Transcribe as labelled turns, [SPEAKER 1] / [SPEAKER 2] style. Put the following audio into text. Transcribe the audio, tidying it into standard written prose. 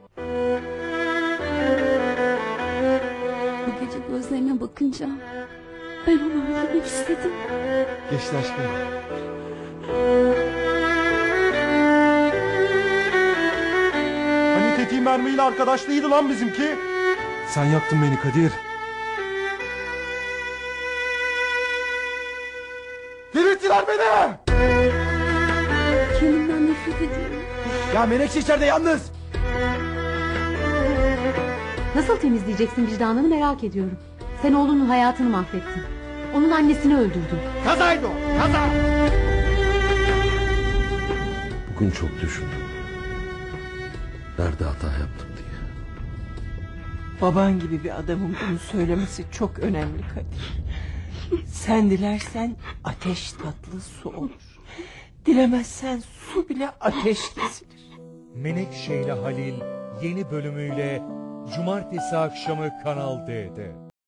[SPEAKER 1] Bu gece gözlerine bakınca ben onu öldürmek istedim.
[SPEAKER 2] Geçti aşkım. Hani tetiğin mermiyle arkadaşlığıydı lan bizimki. Sen yaktın beni Kadir. Delirttiler beni.
[SPEAKER 1] Kendimden nefret ediyorum.
[SPEAKER 2] Ya Menekşe içeride yalnız.
[SPEAKER 3] Nasıl temizleyeceksin vicdanını merak ediyorum. Sen oğlunun hayatını mahvettin. Onun annesini öldürdün.
[SPEAKER 2] Kazaydı o, kaza.
[SPEAKER 4] Bugün çok düşündüm. Nerede hata yaptım diye.
[SPEAKER 5] Baban gibi bir adamın bunu söylemesi çok önemli Kadir. Sen dilersen ateş tatlı su olur. Dilemezsen su bile ateş kesilir.
[SPEAKER 6] Menekşe ile Halil yeni bölümüyle Cumartesi akşamı Kanal D'de.